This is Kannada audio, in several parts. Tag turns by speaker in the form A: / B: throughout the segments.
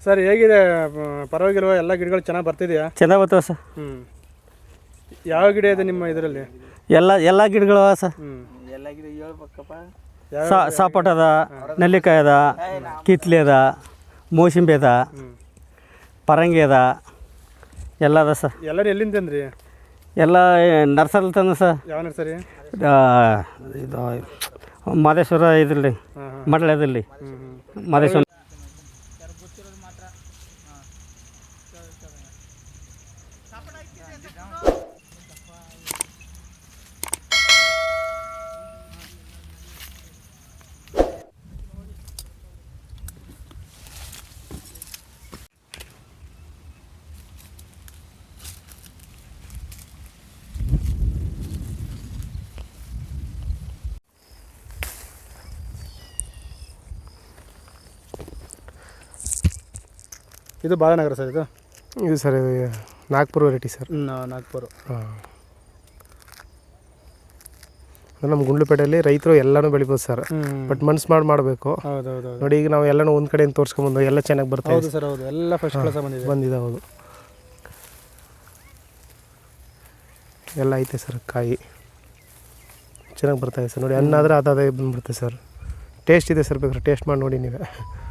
A: ಸರ್ ಹೇಗಿದೆ? ಪರವಾಗಿಲ್ವ? ಎಲ್ಲ ಗಿಡಗಳು ಚೆನ್ನಾಗಿ ಬರ್ತಿದೆಯಾ?
B: ಚೆನ್ನಾಗಿ ಬರ್ತವೆ ಸರ್.
A: ಯಾವ ಗಿಡ ಇದೆ ನಿಮ್ಮ ಇದರಲ್ಲಿ?
B: ಎಲ್ಲ ಗಿಡಗಳು ಸರ್.
C: ಎಲ್ಲ ಗಿಡ ಹೇಳ್ಬೇಕಪ್ಪ.
B: ಸಪೋಟ ಅದ, ನೆಲ್ಲಿಕಾಯಿ ಅದ, ಕಿತ್ಲೆ ಅದ, ಮೋಸಂಬಿ ಅದ, ಪರಂಗಿ ಅದ, ಎಲ್ಲ ಅದ ಸರ್.
A: ಎಲ್ಲರೂ ಎಲ್ಲಿಂದ ತಂದ್ರಿ?
B: ಎಲ್ಲ ನರ್ಸರಿ ತಂದ ಸರ್.
A: ಯಾವ ನರ್ಸರಿ?
B: ಇದು ಮಾದೇಶ್ವರ ಇದರಲ್ಲಿ ಮಡ್ಲದಲ್ಲಿ ಮಾದೇಶ್ವರ.
A: ಇದು ಬಾಲನಗರ ಸರ್. ಇದು
D: ಸರ್ ಇದು ನಾಗ್ಪುರ ವೆರೈಟಿ ಸರ್.
A: ನಾಗ್ಪುರ.
D: ನಮ್ಮ ಗುಂಡ್ಲುಪೇಟೆಯಲ್ಲಿ ರೈತರು ಎಲ್ಲನೂ ಬೆಳಿಬೋದು ಸರ್. ಬಟ್ ಮನ್ಸು ಮಾಡಬೇಕು.
A: ಹೌದೌದು
D: ನೋಡಿ, ಈಗ ನಾವು ಎಲ್ಲನೂ ಒಂದು ಕಡೆಯಿಂದ ತೋರಿಸ್ಕೊಂಬಂದು ಎಲ್ಲ ಚೆನ್ನಾಗಿ ಬರ್ತಾ ಇದೆ.
A: ಹೌದು ಸರ್, ಹೌದು. ಎಲ್ಲ ಫಸ್ಟ್ ಕ್ಲಾಸ್
D: ಬಂದಿದೆ. ಹೌದು, ಎಲ್ಲ ಐತೆ ಸರ್. ಕಾಯಿ ಚೆನ್ನಾಗಿ ಬರ್ತಾಯಿದೆ ಸರ್. ನೋಡಿ, ಹಣ್ಣಾದರೆ ಅದೇ ಬಂದ್ಬಿಡುತ್ತೆ ಸರ್. ಟೇಸ್ಟ್ ಇದೆ ಸರ್, ಬೇಕಾದ್ರೆ ಟೇಸ್ಟ್ ಮಾಡಿ ನೋಡಿ ನೀವೇ.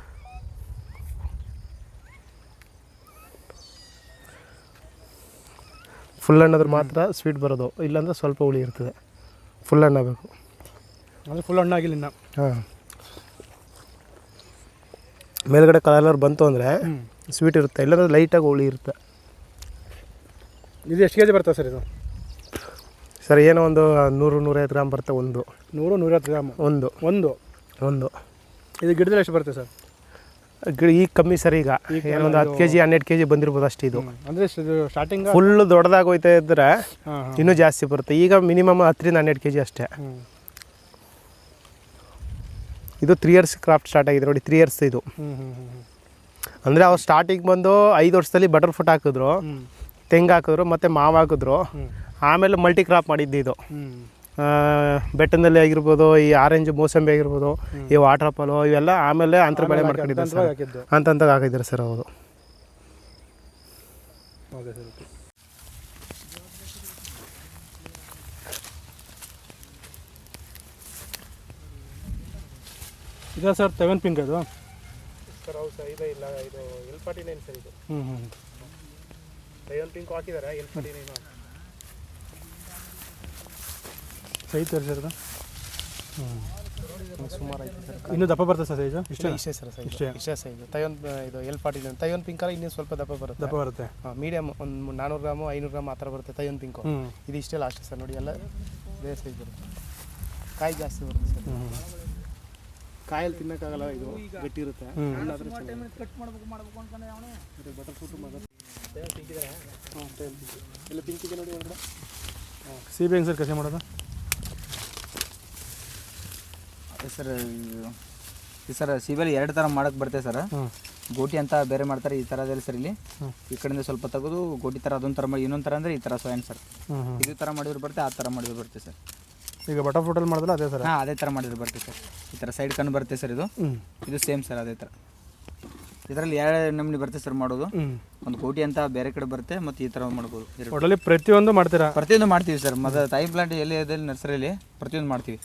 D: ಫುಲ್ ಹಣ್ಣಾದ್ರೆ ಮಾತ್ರ ಸ್ವೀಟ್ ಬರೋದು, ಇಲ್ಲಾಂದ್ರೆ ಸ್ವಲ್ಪ ಹುಳಿ ಇರ್ತದೆ. ಫುಲ್ ಹಣ್ಣಾಗಬೇಕು.
A: ಅಂದರೆ ಫುಲ್ ಹಣ್ಣಾಗಿಲ್ಲ ಇನ್ನು.
D: ಹಾಂ, ಮೇಲ್ಗಡೆ ಕಲರ್ ಬಂತು ಅಂದರೆ ಸ್ವೀಟ್ ಇರುತ್ತೆ, ಇಲ್ಲಾಂದ್ರೆ ಲೈಟಾಗಿ ಹುಳಿ ಇರುತ್ತೆ.
A: ಇದು ಎಷ್ಟು ಕೆ ಜಿ ಬರ್ತದೆ ಸರ್? ಇದು
D: ಸರ್ ಏನೋ ಒಂದು 100-150 ಗ್ರಾಮ್ ಬರುತ್ತೆ.
A: 100-150 ಗ್ರಾಮ್ ಒಂದು. ಇದು ಗಿಡದಲ್ಲಿ ಎಷ್ಟು ಬರುತ್ತೆ ಸರ್?
D: ಈಗ ಕಮ್ಮಿ ಸರ್. ಈಗ ಏನೊಂದು 10 kg 12 kg ಬಂದಿರ್ಬೋದು ಅಷ್ಟು. ಇದು
A: ಅಂದರೆ ಸ್ಟಾರ್ಟಿಂಗ್
D: ಫುಲ್ ದೊಡ್ಡದಾಗಿ ಹೋಯ್ತಾ ಇದ್ದರೆ ಇನ್ನೂ ಜಾಸ್ತಿ ಬರುತ್ತೆ. ಈಗ ಮಿನಿಮಮ್ 10-12 kg ಅಷ್ಟೇ. ಇದು 3 years ಕ್ರಾಫ್ಟ್ ಸ್ಟಾರ್ಟ್ ಆಗಿದೆ ನೋಡಿ. 3 years ಇದು. ಅಂದರೆ ಅವ್ರು ಸ್ಟಾರ್ಟಿಂಗ್ ಬಂದು 5 ವರ್ಷದಲ್ಲಿ ಬಟರ್ ಫ್ರೂಟ್ ಹಾಕಿದ್ರು, ತೆಂಗು ಹಾಕಿದ್ರು, ಮತ್ತು ಮಾವು ಹಾಕಿದ್ರು. ಆಮೇಲೆ ಮಲ್ಟಿ ಕ್ರಾಪ್ ಮಾಡಿದ್ದು ಇದು. ಬೆಟ್ಟದಲ್ಲಿ ಆಗಿರ್ಬೋದು, ಈ ಆರೆಂಜ್ ಮೋಸಂಬಿ ಆಗಿರ್ಬೋದು, ಈ ವಾಟರ್ ಆಪಲು ಇವೆಲ್ಲ ಆಮೇಲೆ ಅಂತರ ಬೆಳೆ ಮಾಡ್ಕೊಂಡಿದ್ದಾರೆ ಸರ್. ಅಂತಂತ ಹಾಕಿದ್ದಾರೆ ಸರ್. ಹೌದು.
A: ಇದೆ ಸರ್ ತೈವಾನ್ ಪಿಂಕ್ ಅದು
D: ಸರ್. ಹೌದು ಸರ್. ಇದೆ ಇಲ್ಲ, ಇದು L49 ಸರ್. ಇದು ತೈವಾನ್ ಪಿಂಕ್ ಹಾಕಿದ್ದಾರೆ. L49
A: ಸೈ ತೋರಿಸಿರೋದು.
D: ಸುಮಾರು ಐತೆ ಸರ್.
A: ಇನ್ನೂ ದಪ್ಪ ಬರ್ತದೆ ಸರ್ ಸೈಜು?
D: ಇಷ್ಟೇ ಸರ್. ಇಷ್ಟೇ ಸೈಜು. ಇದು L49. ತೈವಾನ್ ಪಿಂಕ್ ಅಲ್ಲಿ ಇನ್ನೂ ಸ್ವಲ್ಪ ದಪ್ಪ ಬರುತ್ತೆ. ಮೀಡಿಯಮ್ ಒಂದು 400 ಗ್ರಾಮು 500 ಗ್ರಾಮ್ ಆ ಥರ ಬರುತ್ತೆ ತೈವಾನ್ ಪಿಂಕು. ಇದು ಇಷ್ಟೇ ಲಾಸ್ಟ್ ಸರ್. ನೋಡಿ, ಎಲ್ಲ ಬೇರೆ ಸೈಜ್ ಬರುತ್ತೆ. ಕಾಯಿ ಜಾಸ್ತಿ ಬರುತ್ತೆ ಸರ್. ಕಾಯಲ್ಲಿ ತಿನ್ನೋಕ್ಕಾಗಲ್ಲ, ಇದು ಗಟ್ಟಿ ಇರುತ್ತೆ. ಬಟರ್ ಫ್ರೂಟು ಪಿಂಕ್ ಇದೆ. ಎಲ್ಲ ಪಿಂಕ್ ಇದೆ ನೋಡಿ ಒಳಗಡೆ.
A: ಸೀಬೆ ಹೆಂಗೆ ಸರ್ ಕಸಿ ಮಾಡೋದು?
C: ಸರ್ ಸರ್ ಸೀಬೆಲಿ 2 ಥರ ಮಾಡೋಕ್ಕೆ ಬರ್ತೇವೆ ಸರ್. ಗೋಟಿ ಅಂತ ಬೇರೆ ಮಾಡ್ತಾರೆ, ಈ ಥರದಲ್ಲಿ ಸರ್. ಇಲ್ಲಿ ಈ ಕಡೆಯಿಂದ ಸ್ವಲ್ಪ ತೆಗೆದು ಗೋಟಿ ಥರ ಅದೊಂದು ಥರ ಮಾಡಿ, ಇನ್ನೊಂದು ಥರ ಅಂದರೆ ಈ ಥರ ಸ್ವಯಂ ಸರ್. ಇದು ಥರ ಮಾಡಿದ್ರು ಬರುತ್ತೆ, ಆ ಥರ ಮಾಡಿದ್ರು ಬರುತ್ತೆ ಸರ್.
A: ಈಗ ಬಟರ್ ಫ್ರೂಟಲ್ಲಿ ಮಾಡಿದ್ರೆ ಅದೇ ಸರ್?
C: ಹಾಂ, ಅದೇ ಥರ ಮಾಡಿದ್ರು ಬರುತ್ತೆ ಸರ್. ಈ ಥರ ಸೈಡ್ ಕಣ್ಣು ಬರುತ್ತೆ ಸರ್. ಇದು ಸೇಮ್ ಸರ್, ಅದೇ ಥರ. ಇದರಲ್ಲಿ 2 ನಮೂನಿ ಬರುತ್ತೆ ಸರ್ ಮಾಡೋದು. ಒಂದು ಗೋಟಿ ಅಂತ ಬೇರೆ ಕಡೆ ಬರುತ್ತೆ, ಮತ್ತು ಈ ಥರ ಮಾಡ್ಬೋದು.
A: ಒಟ್ಟಲ್ಲಿ ಪ್ರತಿಯೊಂದು ಮಾಡ್ತೀರಾ?
C: ಪ್ರತಿಯೊಂದು ಮಾಡ್ತೀವಿ ಸರ್. ಮತ್ತು ತಾಯಿ ಪ್ಲಾಂಟ್ ಎಲ್ಲಿ ಅದಲ್ಲಿ ನರ್ಸರಿಯಲ್ಲಿ ಪ್ರತಿಯೊಂದು ಮಾಡ್ತೀವಿ.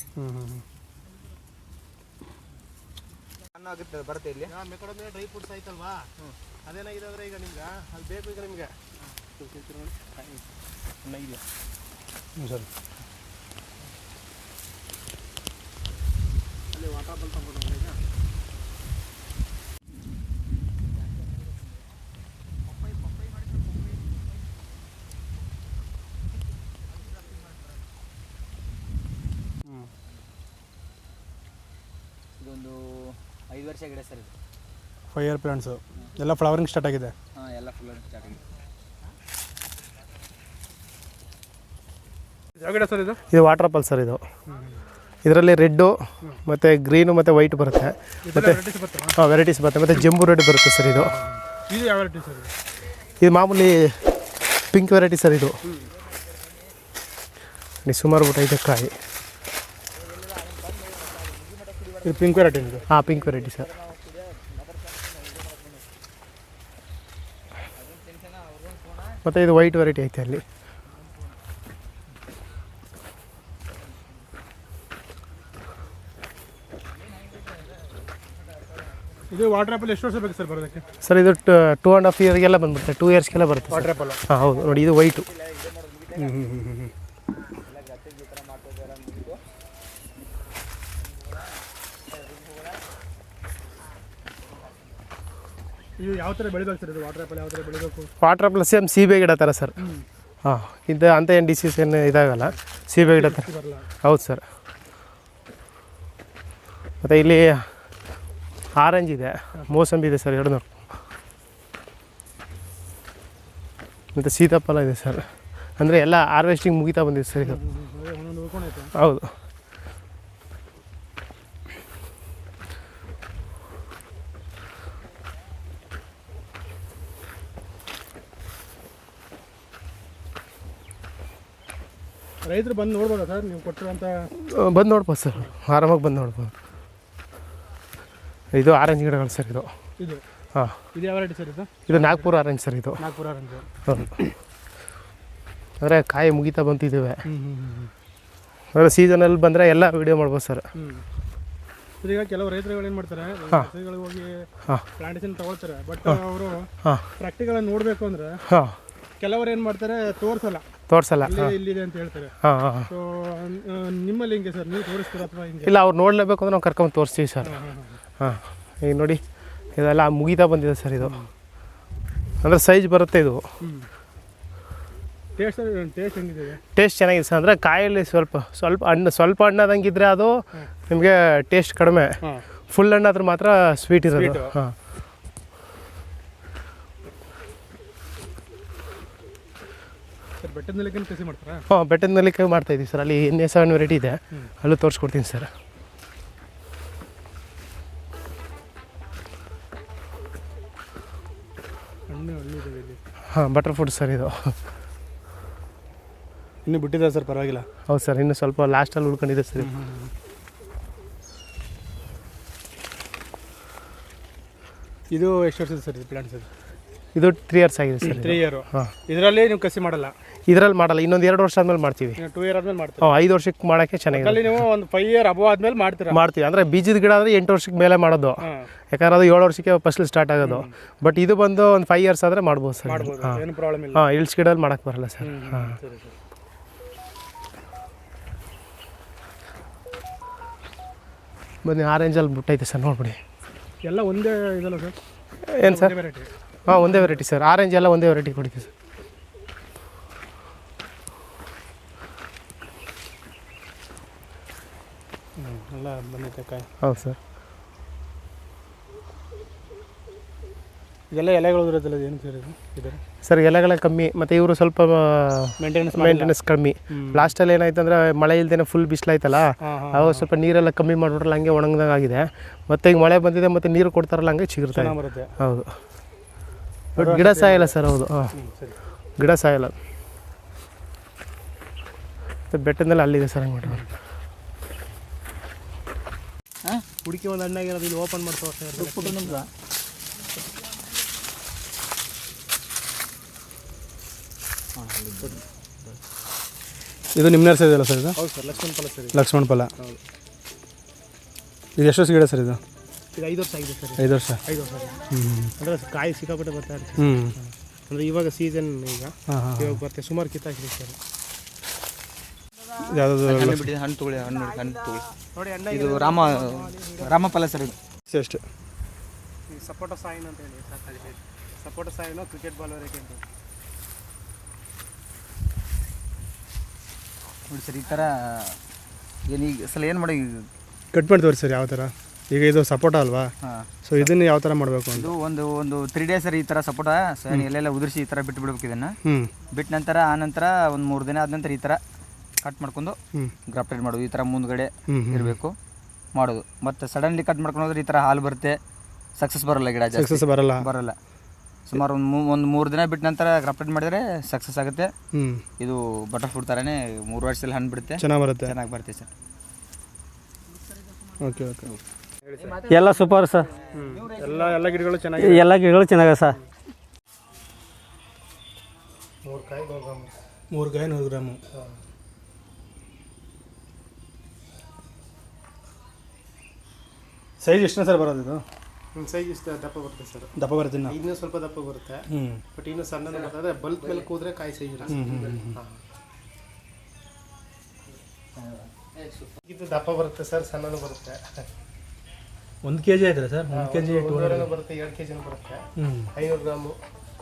C: ಆಗುತ್ತೆ ಬರುತ್ತೆ ಇಲ್ಲಿ.
D: ಡ್ರೈ ಫ್ರೂಟ್ಸ್ ಆಯ್ತಲ್ವಾ, ಅದೇನಾಗಿದೆ ಅಂದರೆ ಈಗ ನಿಮ್ಗೆ ಅದು ಬೇಕು. ಈಗ ನಿಮಗೆ
A: ಸರ್
D: ಅಲ್ಲಿ ವಾಟರ್ ಬಾಲ್ ತಗೊಂಡು ಈಗ
C: ಇದೊಂದು 5 ವರ್ಷ ಗಿಡ ಸರ್. ಇದು
A: 5 year ಪ್ಲಾಂಟ್ಸು ಎಲ್ಲ ಫ್ಲವರಿಂಗ್ ಸ್ಟಾರ್ಟ್ ಆಗಿದೆ.
C: ಹಾಂ, ಎಲ್ಲ ಫ್ಲವರಿಂಗ್ ಸ್ಟಾರ್ಟ್ ಆಗಿದೆ.
A: ಯಾವ ಗಿಡ ಸರ್ ಇದು?
D: ಇದು ವಾಟರ್ ಆಪಲ್ ಸರ್. ಇದು ಇದರಲ್ಲಿ ರೆಡ್ಡು ಮತ್ತು ಗ್ರೀನು ಮತ್ತು ವೈಟ್ ಬರುತ್ತೆ. ಮತ್ತು ವೆರೈಟೀಸ್ ಬರುತ್ತೆ. ಮತ್ತು ಜಂಬು ರೆಡ್ ಬರುತ್ತೆ ಸರ್. ಇದು
A: ಯಾವ ವೆರೈಟಿ ಸರ್?
D: ಇದು ಮಾಮೂಲಿ ಪಿಂಕ್ ವೆರೈಟಿ ಸರ್. ಇದು ಸುಮಾರು ಊಟ ಇದೆ ಕಾಯಿ.
A: ಇದು ಪಿಂಕ್ ವೆರೈಟಿ?
D: ಹಾಂ, ಪಿಂಕ್ ವೆರೈಟಿ ಸರ್. ಮತ್ತು ಇದು ವೈಟ್ ವೆರೈಟಿ ಐತೆ ಅಲ್ಲಿ.
A: ಇದು ವಾಟರ್ ಆ್ಯಪಲ್ ಎಷ್ಟು ವರ್ಷ ಬೇಕು ಸರ್ ಬರೋದಕ್ಕೆ?
D: ಸರ್ ಇದು 2.5 ಇಯರ್ಗೆಲ್ಲ ಬಂದ್ಬಿಡುತ್ತೆ, 2 ಇಯರ್ಸ್ಗೆಲ್ಲ ಬರುತ್ತೆ
A: ವಾಟರ್ ಆ್ಯಪಲ್.
D: ಹಾಂ ಹೌದು ನೋಡಿ, ಇದು ವೈಟು.
A: ಇದು ಯಾವ ಥರ ಬೆಳಿಬೇಕು ಸರ್? ಇದು ವಾಟರ್ ಆ್ಯಪಲ್ ಯಾವ ಥರ ಬೆಳಿಬೇಕು?
D: ವಾಟರ್ ಆ್ಯಪಲ್ ಸೇಮ್ ಸೀಬೆ ಗಿಡ ಥರ ಸರ್. ಹಾಂ, ಇದು ಅಂತ ಏನು ಡಿಸೀಸ್ ಏನು ಇದಾಗಲ್ಲ, ಸೀಬೆ ಗಿಡ ಥರ. ಹೌದು ಸರ್. ಮತ್ತು ಇಲ್ಲಿ ಆರೆಂಜ್ ಇದೆ, ಮೋಸಂಬಿ ಇದೆ ಸರ್ 200. ಮತ್ತು ಸೀತಾಫಲ ಇದೆ ಸರ್. ಅಂದರೆ ಎಲ್ಲ ಹಾರ್ವೆಸ್ಟಿಂಗ್ ಮುಗಿತಾ ಬಂದಿದೆ ಸರ್ ಇದು. ಹೌದು.
A: ರೈತರು ಬಂದು ನೋಡ್ಬೋದಾ ಸರ್ ನೀವು ಕೊಟ್ಟಿರೋಂಥ?
D: ಬಂದು ನೋಡ್ಬೋದು ಸರ್, ಆರಾಮಾಗಿ ಬಂದು ನೋಡ್ಬೋದು. ಇದು ಆರೆಂಜ್ ಗಿಡಗಳು ಸರ್ ಇದು.
A: ಇದು
D: ಹಾಂ,
A: ಇದು ಯಾವ ವೆರೈಟಿ ಸರ್?
D: ಇದು ನಾಗ್ಪುರ ಆರೆಂಜ್ ಸರ್ ಇದು.
A: ನಾಗ್ಪುರ ಆರೆಂಜ್.
D: ಹೌದು. ಅಂದರೆ ಕಾಯಿ ಮುಗಿತಾ ಬಂತಿದ್ದೇವೆ. ಅಂದರೆ ಸೀಸನಲ್ಲಿ ಬಂದರೆ ಎಲ್ಲ ವೀಡಿಯೋ ಮಾಡ್ಬೋದು ಸರ್.
A: ಈಗ ಕೆಲವು ರೈತರುಗಳು ಏನು ಮಾಡ್ತಾರೆ, ರೈತರುಗಳಿಗೆ ಹೋಗಿ ಪ್ಲಾಂಟೇಶನ್ ತಗೊಳ್ತಾರೆ, ಬಟ್ ಅವರು ಪ್ರಾಕ್ಟಿಕಲ್ ನೋಡಬೇಕು ಅಂದರೆ ಕೆಲವರು ಏನು ಮಾಡ್ತಾರೆ, ತೋರಿಸಲ್ಲ ಇಲ್ಲಿದೆ ಅಂತ ಹೇಳ್ತಾರೆ. ಸೊ ನಿಮ್ಮಲ್ಲಿ ಹಿಂಗೆ ಸರ್, ನೀವು ತೋರಿಸ್ತೀರಾ ಅಥವಾ ಹಿಂಗೆ?
D: ಇಲ್ಲ, ಅವ್ರು ನೋಡಲೇಬೇಕು ಅಂದ್ರೆ ನಾವು ಕರ್ಕೊಂಡು ತೋರಿಸ್ತೀವಿ ಸರ್. ಹಾಂ, ಈಗ ನೋಡಿ ಇದೆಲ್ಲ ಮುಗಿತಾ ಬಂದಿದೆ ಸರ್ ಇದು. ಅಂದರೆ ಸೈಜ್ ಬರುತ್ತೆ ಇದು.
A: ಟೇಸ್ಟ್ ಹೆಂಗಿದೆ?
D: ಟೇಸ್ಟ್ ಚೆನ್ನಾಗಿದೆ ಸರ್. ಅಂದರೆ ಕಾಯಲ್ಲಿ ಸ್ವಲ್ಪ ಹಣ್ಣಾದಂಗಿದ್ರೆ ಅದು ನಿಮಗೆ ಟೇಸ್ಟ್ ಕಡಿಮೆ, ಫುಲ್ ಹಣ್ಣಾದ್ರೆ ಮಾತ್ರ ಸ್ವೀಟ್ ಇರೋದು. ಹಾಂ,
A: ಸರ್ ಬೆಟ್ಟದ ನೆಲ್ಲಿಕಾಯಿ ಕಸಿ ಮಾಡ್ತಾರಾ?
D: ಹಾಂ, ಬೆಟ್ಟದ ನೆಲ್ಲಿಕಾಯಿ ಮಾಡ್ತಾಯಿದ್ದೀವಿ ಸರ್. ಅಲ್ಲಿ NA7 ವೆರೈಟಿ ಇದೆ, ಅಲ್ಲೂ ತೋರಿಸ್ಕೊಡ್ತೀನಿ ಸರ್. ಹಾಂ, ಬಟರ್ ಫ್ರೂಟ್ ಸರ್ ಇದು.
A: ಇನ್ನೂ ಬಿಟ್ಟಿದ್ದಾರೆ ಸರ್, ಪರವಾಗಿಲ್ಲ.
D: ಹೌದು ಸರ್, ಇನ್ನು ಸ್ವಲ್ಪ ಲಾಸ್ಟಲ್ಲಿ ಉಳ್ಕೊಂಡಿದೆ ಸರ್.
A: ಇದು ಎಷ್ಟು ವರ್ಷದ ಸರ್ ಇದು ಪ್ಲಾಂಟ್ ಸರ್?
D: ಇದು 3 ಇಯರ್ಸ್ ಆಗಿದೆ ಸರ್.
A: 3 ಇಯರ್.
D: ಹಾಂ,
A: ಇದರಲ್ಲಿ ನೀವು ಕಸಿ ಮಾಡಲ್ಲ?
D: ಇದರಲ್ಲಿ ಮಾಡಲ್ಲ, ಇನ್ನೊಂದು 2 ವರ್ಷ ಆದ್ಮೇಲೆ ಮಾಡ್ತೀವಿ.
A: 2 ಇಯರ್ ಆದ್ಮೇಲೆ ಮಾಡ್ತೀವಿ.
D: 5 ವರ್ಷಕ್ಕೆ ಮಾಡೋಕ್ಕೆ ಚೆನ್ನಾಗಿದೆ.
A: ಅಲ್ಲಿ ನೀವು ಒಂದು 5 ಇಯರ್ ಅಬೋ ಆದ್ಮೇಲೆ ಮಾಡ್ತೀವಿ.
D: ಅಂದರೆ ಬೀಜದ ಗಿಡ ಆದರೆ 8 ವರ್ಷಕ್ಕೆ ಮೇಲೆ ಮಾಡೋದು, ಯಾಕಂದ್ರೆ ಅದು 7 ವರ್ಷಕ್ಕೆ ಫಸಲು ಸ್ಟಾರ್ಟ್ ಆಗೋದು. ಬಟ್ ಇದು ಬಂದು ಒಂದು 5 ಇಯರ್ಸ್ ಆದರೆ ಮಾಡ್ಬೋದು ಸರ್.
A: ಏನು ಪ್ರಾಬ್ಲಮ್ ಇಲ್ಲ.
D: ಹಾಂ, ಇಳ್ಸ್ ಗಿಡದಲ್ಲಿ ಮಾಡೋಕ್ಕೆ ಬರಲ್ಲ ಸರ್. ಹಾಂ, ಬನ್ನಿ, ಆರೆಂಜಲ್ಲಿ ಬಿಟ್ಟೈತೆ ಸರ್, ನೋಡ್ಬಿಡಿ.
A: ಎಲ್ಲ ಒಂದೇ ಇದಲ್ಲ ಸರ್?
D: ಏನು ಸರ್? ಹಾಂ, ಒಂದೇ ವೆರೈಟಿ ಸರ್. ಆರೆಂಜ್ ಎಲ್ಲ ಒಂದೇ ವೆರೈಟಿ ಕೊಡ್ತೀವಿ ಸರ್.
A: ಎಲ್ಲ ಬಂದೈತೆ ಕಾಯಿ.
D: ಹೌದು ಸರ್.
A: ಇದೆಲ್ಲ ಎಲೆಗಳು ಇರೋದಿಲ್ಲ, ಏನು ಸರ್ ಇದು?
D: ಸರ್ ಎಲೆಗಳ ಕಮ್ಮಿ, ಮತ್ತು ಇವರು ಸ್ವಲ್ಪ ಮೇಂಟೆನೆನ್ಸ್ ಕಮ್ಮಿ. ಲಾಸ್ಟಲ್ಲಿ ಏನಾಯ್ತು ಅಂದರೆ ಮಳೆ ಇಲ್ದೇನೆ ಫುಲ್ ಬಿಸಿಲಾಯ್ತಲ್ಲ, ಅವಾಗ ಸ್ವಲ್ಪ ನೀರೆಲ್ಲ ಕಮ್ಮಿ ಮಾಡಿಬಿಟ್ರಲ್ಲ, ಹಂಗೆ ಒಣಗ್ದಂಗೆ ಆಗಿದೆ. ಮತ್ತು ಈಗ ಮಳೆ ಬಂದಿದೆ ಮತ್ತು ನೀರು ಕೊಡ್ತಾರಲ್ಲ, ಹಂಗೆ ಚಿಗುರ್ತಾ ಬರುತ್ತೆ. ಹೌದು, ಬಟ್ ಗಿಡ ಸಾಯಲ್ಲ ಸರ್. ಹೌದು. ಹಾಂ, ಗಿಡ ಸಾಯಲ್ಲ. ಮತ್ತು ಬೆಟ್ಟದಲ್ಲಿ ಅಲ್ಲಿದೆ ಸರ್, ಹಂಗೆ ಮಾಡಿ
A: ಹುಡುಕಿ ಒಂದು ಹಣ್ಣಾಗಿರೋದು ಇಲ್ಲಿ ಓಪನ್ ಮಾಡ್ತಾ ನಮ್ಗೆ. ಇದು ನಿಮ್ಮ ನರ್ಸರಿ ಇದೆಯಲ್ಲ ಸರ್ ಇದು? ಹೌದು ಸರ್, ಲಕ್ಷ್ಮಣ ಫಲ ಸರ್. ಲಕ್ಷ್ಮಣ ಫಲ. ಹೌದು. ಇದು ಎಷ್ಟು ವರ್ಷ ಗಿಡ ಸರ್ ಇದು? ಇದು 5 ವರ್ಷ ಆಗಿದೆ ಸರ್. 5 ವರ್ಷ. ಅಂದರೆ ಕಾಯಿ ಸಿಕ್ಕಾಪಟ್ಟೆ ಬರ್ತಾ ಇರುತ್ತೆ. ಅಂದರೆ ಇವಾಗ ಸೀಸನ್, ಇವಾಗ ಬರ್ತೆ, ಸುಮಾರು ಕಿತ್ತಾಕಿದೆ ಸರ್.
C: ಯಾವುದು ಹಣ್ಣು ತಗೊಳ್ಳಿ, ಹಣ್ಣು ತಗೊಳ್ಳಿ ನೋಡಿ. ಇದು ರಾಮಫಲ ಸರ್. ಇದು
A: ಎಷ್ಟು? ಸಪೋಟ ಸಾಯಿನ್ ಅಂತ ಹೇಳಿ ಸಾಕಾಗಿದೆ. ಸಪೋಟ ಸಾಯಿನೋ ಕ್ರಿಕೆಟ್ ಬಾಲ್ ವರೆಗೆ ಅಂತ
C: ನೋಡಿ ಸರ್. ಈ ಥರ ಏನೀಗ ಸಲ ಏನು ಮಾಡಿ
A: ಕಟ್ ಮಾಡಿ ತೋರಿಸಿ ಸರ್ ಯಾವ ಥರ. ಈಗ ಇದು ಸಪೋಟ ಅಲ್ವಾ? ಸೊ ಇದನ್ನು ಯಾವ ಥರ ಮಾಡಬೇಕು?
C: ಇದು ಒಂದು 3 ಡೇಸ್ ಸರ್ ಈ ಥರ ಸಪೋಟ ಎಲ್ಲೆಲ್ಲ ಉದುರಿಸಿ ಈ ಥರ ಬಿಟ್ಟು ಬಿಡ್ಬೇಕು. ಇದನ್ನು ಬಿಟ್ಟ ನಂತರ ಆನಂತರ ಒಂದು 3 ದಿನ ಆದ ನಂತರ ಈ ಥರ ಕಟ್ ಮಾಡ್ಕೊಂಡು ಗ್ರಾಫ್ಟೆಡ್ ಮಾಡೋದು. ಈ ಥರ ಮುಂದ್ಗಡೆ ಇರಬೇಕು ಮಾಡೋದು. ಮತ್ತು ಸಡನ್ಲಿ ಕಟ್ ಮಾಡ್ಕೊಂಡು ಹೋದ್ರೆ ಈ ಥರ ಹಾಲು ಬರುತ್ತೆ, ಸಕ್ಸಸ್ ಬರೋಲ್ಲ ಗಿಡ.
A: ಸಕ್ಸಸ್ ಬರಲ್ಲ.
C: ಸುಮಾರು ಒಂದು 3 ದಿನ ಬಿಟ್ಟ ನಂತರ ಗ್ರಾಫ್ಟೆಡ್ ಮಾಡಿದರೆ ಸಕ್ಸಸ್ ಆಗುತ್ತೆ. ಇದು ಬಟರ್ ಫ್ರೂಟ್ ಥರನೇ 3 ವರ್ಷದಲ್ಲಿ ಹಣ್ಣು ಬಿಡುತ್ತೆ, ಚೆನ್ನಾಗಿ ಬರುತ್ತೆ ಸರ್.
A: ಓಕೆ.
B: ಎಲ್ಲ ಸೂಪರ್ ಸರ್.
A: ಎಲ್ಲ ಗಿಡಗಳು ಚೆನ್ನಾಗಿ,
B: ಎಲ್ಲ ಗಿಡಗಳು ಚೆನ್ನಾಗಿದೆ ಸರ್.
D: 3 ಕಾಯಿ 100 ಗ್ರಾಮ್
A: 3 ಕಾಯಿ 100 ಗ್ರಾಮು. ಸೈಜ್ ಎಷ್ಟನೇ ಸರ್ ಬರೋದು ಇದು?
D: ಸೈಜ್ ಇಷ್ಟು ದಪ್ಪ ಬರುತ್ತೆ ಸರ್.
A: ದಪ್ಪ ಬರುತ್ತೆ ಇನ್ನು?
D: ಇನ್ನೂ ಸ್ವಲ್ಪ ದಪ್ಪ ಬರುತ್ತೆ, ಬಟ್ ಇನ್ನೂ ಸಣ್ಣ ಬರ್ತದೆ. ಬಲ್ಕ್ ಮೇಲೆ ಕೂದ್ರೆ ಕಾಯಿ ಸೈಜ್ ಇರುತ್ತೆ. ಇದು ದಪ್ಪ ಬರುತ್ತೆ ಸರ್, ಸಣ್ಣನೂ ಬರುತ್ತೆ.
A: 1 kg ಆಯ್ತಲ್ಲ ಸರ್? 1 kg
D: 200 ಬರುತ್ತೆ, 2 kg ಬರುತ್ತೆ. 500 ಗ್ರಾಮು.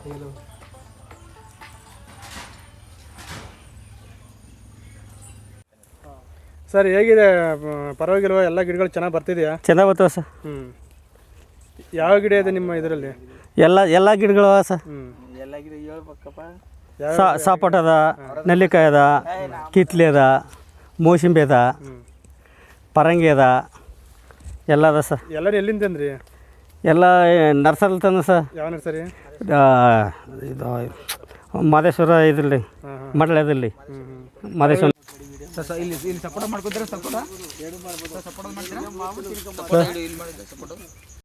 A: ಸರ್ ಹೇಗಿದೆ, ಪರವಾಗಿಲ್ವಾ? ಎಲ್ಲ ಗಿಡಗಳು ಚೆನ್ನಾಗಿ ಬರ್ತಿದೆಯಾ?
B: ಚೆನ್ನಾಗಿ ಬರ್ತವೆ ಸರ್.
A: ಯಾವ ಗಿಡ ಇದೆ ನಿಮ್ಮ ಇದರಲ್ಲಿ?
B: ಎಲ್ಲ ಗಿಡಗಳು ಅವ ಸರ್.
C: ಎಲ್ಲ ಗಿಡ ಹೇಳ್ಬೇಕಪ್ಪ.
B: ಸಪೋಟ ಅದ, ನೆಲ್ಲಿಕಾಯಿ ಅದ, ಕಿತ್ಲೆ ಅದ, ಮೋಸಂಬಿ ಅದ, ಪರಂಗಿ ಅದ, ಎಲ್ಲ ಅದ ಸರ್.
A: ಎಲ್ಲರೂ ಎಲ್ಲಿಂದ ತಂದ್ರಿ?
B: ಎಲ್ಲ ನರ್ಸರಿ ತಂದ ಸರ್.
A: ಯಾವ ನರ್ಸರಿ?
B: ಇದು ಮಾದೇಶ್ವರ ಇದರಲ್ಲಿ, ಮಡ್ಲದಲ್ಲಿ ಮಾದೇಶ್ವರ.
C: ಇಲ್ಲಿ ಸಪೋರ್ಟ್ ಮಾಡ್ಕೊತೀರಾ? ಸಪೋರ್ಟ್ ಮಾಡ್ತೀರಾ?